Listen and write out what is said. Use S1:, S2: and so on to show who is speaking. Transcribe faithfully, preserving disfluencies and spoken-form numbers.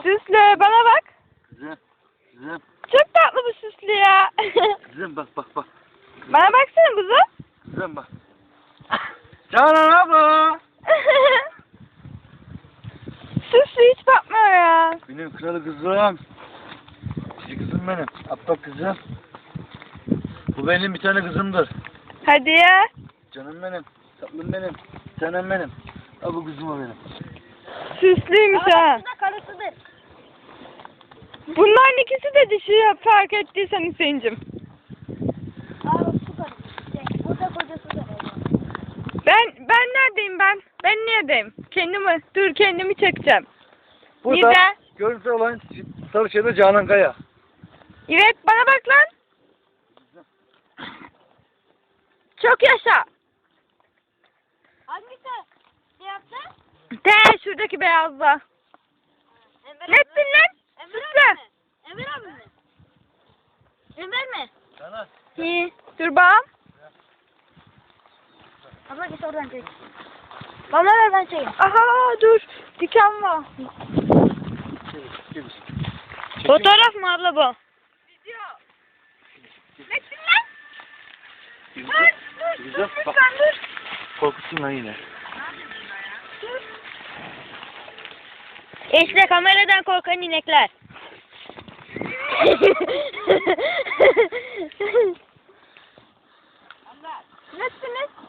S1: Süslü bana bak.
S2: Kızım. Kızım.
S1: Çok tatlı bu süslü ya.
S2: Kızım bak bak bak. Kızım,
S1: Bana baksana kuzum.
S2: Kızım bak. Canan abla.
S1: Süslü hiç bakmıyor ya.
S2: Benim kralı kızım. Cici kızım benim. Abla kızım. Bu benim bir tane kızımdır.
S1: Hadi ya.
S2: Canım benim. Tatlım benim. Tanem benim. Ha bu kızım o benim.
S1: Süslüymüş ha.
S3: Karısıdır.
S1: Bunların ikisi de dişi fark ettiysen Hüseyin'cim.
S3: Aa su karısı. Şey, o da kocasıdır.
S1: Ben ben neredeyim ben? Ben neredeyim? Kendimi dur kendimi çekeceğim.
S2: Burada
S1: Nida.
S2: görüntü olan Sarıçay'da Canan Kaya.
S1: Evet bana bak lan. Çok yaşa.
S3: Hangisi? Ne yaptı?
S1: De şuradaki beyazla.
S3: Enver
S1: Ne ettin lan?
S3: Enver
S1: Süslü.
S3: abi mi? Enver abi mi? Enver mi?
S2: Canan.
S1: İyi. Dur bağım.
S3: Abla git oradan çek. Bana ver ben çekeyim.
S1: Aha dur. Diken var. Fotoğraf mı abla bu? Video. Ne ettin lan? Dur dur
S2: Güzel,
S1: dur
S2: bak.
S1: lütfen dur.
S2: Korkutsun lan yine.
S1: İşte kameradan korkan inekler. Ne ettiniz?